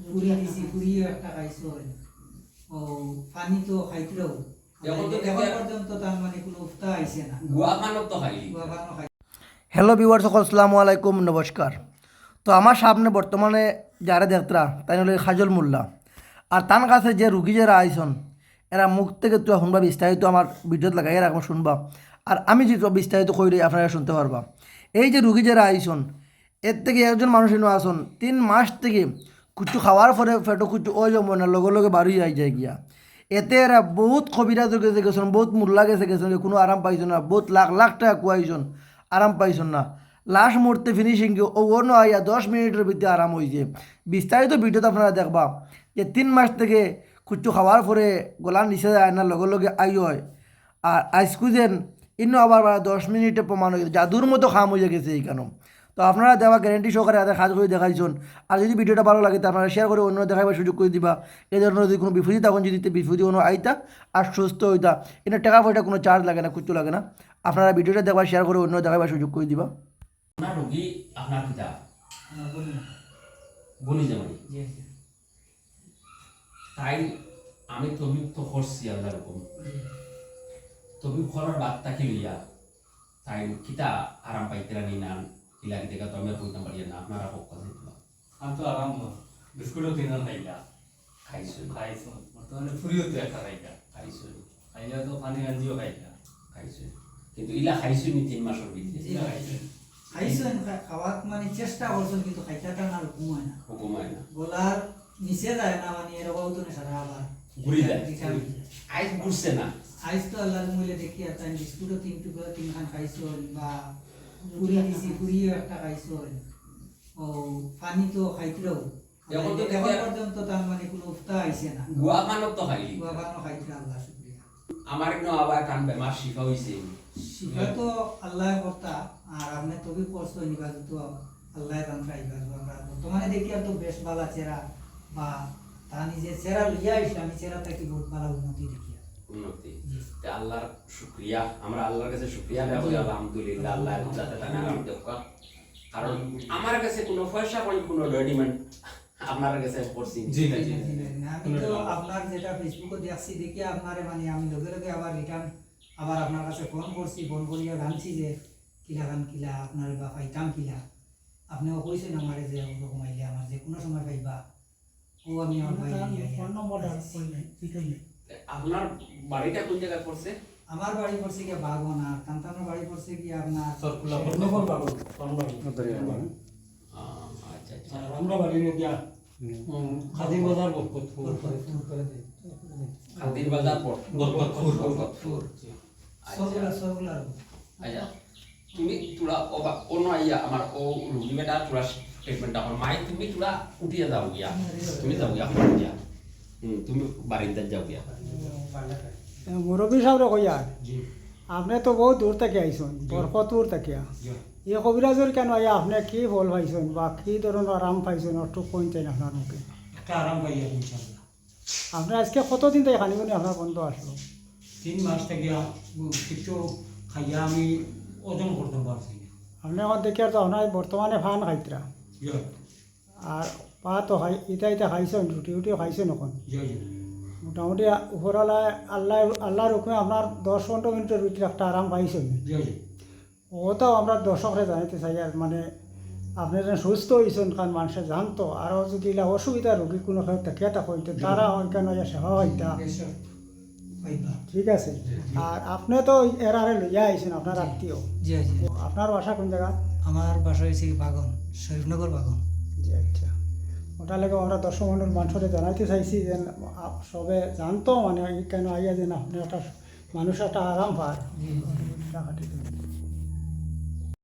পুরি দিছি পুরিও একটা খাইছো ও পানি তো খাইতলেও এখন পর্যন্ত তার মানে কোনো উফতা আইছে না গুয়া খানো তো খাইলি গুয়া খানো খাই। হ্যালো ভিউয়ার সকল আসসালামু আলাইকুম নমস্কার। তো আমার সামনে বর্তমানে যারা দেখতরা তাই হলো খাজল মোল্লা আর তার কাছে যে রুগী যারা আইসন এরা মুখ থেকে তো শুনবা বিস্তারিত আমার ভিডিওত লাগাই রাখবো শুনবা আর আমি যে বিস্তারিত কইলে আপনারা শুনতে পারবা। এই যে রুগী যারা আইসন এর থেকে একজন মানুষ এনে আসন 3 মাস থেকে কুচু খাওয়ার পরে ফেটো কুচু ওই জমো না লগে লগে বাড়ি যাই যায় গিয়া এতে এরা বহুত কবিরাজ গেছে গেছেন বহুত মোল্লা গেছে গেছেন কোনো আরাম পাইছেন না বহুত লাখ লাখ টাকা কুয়াইছেন আরাম পাইছেন না লাস্ট মুহূর্তে ফিনিশিং ও অন্য আইয়া 10 মিনিটের ভিতরে আরাম হয়েছে। বিস্তারিত ভিডিওতে আপনারা দেখবা যে 3 মাস থেকে কুচু খাওয়ার পরে গলার নিচে যায় না লগে লগে আই হয় আর আইসকুজেন ইন্ন আবার 10 মিনিটে প্রমাণ হয়ে জাদুর মতো খাম হয়ে গেছে এইখানে। তো আপনারা দেওয়া গ্যারেন্টি সহকারে তাদের কাজ করে দেখাইছেন। আর যদি ভিডিওটা ভালো লাগে তো আপনারা শেয়ার করে অন্য দেখাবার সুযোগ করে দিবা। এই ধরনের যদি কোনো বিপরীত তখন যদি বিপরীত কোনো আইতা আর সুস্থ হইতা এটা টাকা পয়সা কোনো চার্জ লাগে না কিচ্ছু লাগে না। আপনারা ভিডিওটা দেখবার শেয়ার করে অন্য দেখাবার সুযোগ করে দিবা। আপনার রোগী আপনার পিতা বলি না বলি জামাই জি তাই আমি তবিব তো করছি আল্লাহ রকম তবিব করার বার্তা কি লইয়া তাই কিতা আরাম পাইতেরা নি না ইলাকি দেখা তো আমি কইতাম পারি না আপনারা পক্ষ থেকে আমি তো আরাম বিস্কুটও তিন খাইলা খাইছো খাইছো বর্তমানে ফুরিও তো একটা খাইলা খাইছো খাইলা তো পানি গাঞ্জিও খাইলা খাইছো কিন্তু ইলা খাইছো নি 3 মাসের ভিতরে জি খাইছেন খাওয়ার মানে চেষ্টা করছেন কিন্তু খাইতাটা না হুকুম হয় না হুকুম হয় না গলার নিচে যায় না মানে এরকম তো না সারা আবার ঘুরি যায় আইস ঘুরছে না আইস তো আল্লাহর মইলে দেখি আর তাই বিস্কুটও 3 খান খাইছো বা পুরি দিছি পুরিও একটা খাইছো ও পানি তো খাইতলেও এখন পর্যন্ত তার মানে কোনো উফতা আইছে না গুয়া খানো তো খাইলি গুয়া খানো খাইতলে আল্লাহ শুকরিয়া। আমার একদম আবার কান বেমার শিফা হইছে শিফা তো আল্লাহর কথা আর আপনি তবে করছো নিবাজ তো আল্লাহর রান্না ইবাজ আমরা বর্তমানে দেখি আর তো বেশ ভালো চেহারা বা তা নিজে চেহারা লইয়া ইসলামী চেহারা থেকে বহুত ভালো উন্নতি দেখি উন্নতি তে আল্লাহর শুকরিয়া আমরা আল্লাহর কাছে শুকরিয়া আদায় করি আলহামদুলিল্লাহ আল্লাহ যাতে তানে আরাম দেখ কারণ আমার কাছে কোনো পয়সা কোনো রেডিমেড আপনার কাছে পড়ছি জি না জি আমি তো আপনার যেটা ফেসবুকে দেখছি দেখি আপনারে মানে আমি লগে লগে আবার রিটার্ন আবার আপনার কাছে ফোন করছি ফোন করিয়া জানছি যে কিলা গান কিলা আপনার বা পাইতাম কিলা আপনিও কইছেন আমারে যে ওরকম আইলে আমার যে কোনো সময় পাইবা ও আমি আমার ভাই ফোন নম্বরটা আপনার বাড়িটা কোন জায়গায় পড়ছে আমার বাড়ি পড়ছে কি বাগন আর কান্তানোর বাড়ি পড়ছে কি আপনার সরকুলা বর্ণবল বাবু কোনবাড়ি আচ্ছা আচ্ছা আর আমরা বাড়ি নে দিয়া খাদিম বাজার বরকতপুর খাদির বাজার বরকতপুর সবগুলা আচ্ছা তুমি তোরা অন্য আইয়া আমার ও রুগী বেটা তোরা ট্রিটমেন্ট আমার মাই তুমি তোরা উঠিয়া যাও গিয়া তুমি যাও গিয়া গিয়া তুমি বারিন্দার যাও গিয়া মুরব্বী সাহেব কইয়া জি আপনি তো বহুত দূর থেকে আইসন বরকতপুর থেকে এই কবিরাজের কেন আইয়া আপনি কি ফল পাইছেন বা কি ধরনের আরাম পাইছেন একটু কোন চাই আপনার মুখে একটা আরাম পাইয়া ইনশাআল্লাহ আপনি আজকে কতদিন থেকে খানিবনি আপনার বন্ধ আসলো 3 মাস থেকে কিছু খাইয়া আমি ওজন করতে পারছি না আপনি আমার দেখি আর তো আপনার বর্তমানে ফান খাইতরা জি আর পা তো খাই ইটা খাইছেন রুটি উটিও খাইছেন এখন জি জি মোটামুটি উপরওয়ালা আল্লাহর হুকুমে আপনার 10-15 মিনিটের ভিতরে একটা আরাম পাইছেন জি জি ওটাও আমরা দর্শকরা জানাইতে চাই আর মানে আপনি যেন সুস্থ হয়েছেন কারণ মানুষের জানতো আরও যদি এলা অসুবিধা রোগী কোনো থাকে হইতে তারা কেন সেবা হইতা পাইবা ঠিক আছে। আর আপনি তো এরারে লইয়া আইছেন আপনার আত্মীয় জি জি আপনার বাসা কোন জায়গা? আমার বাসা হয়েছে বাগন শরীফনগর বাগন জি আচ্ছা ওটা লেগে আমরা দর্শক মন্ডল মানুষরে জানাইতে চাইছি যে সবে জানতো মানে কেন আইয়া যে না আপনি একটা মানুষ একটা আরাম পায়।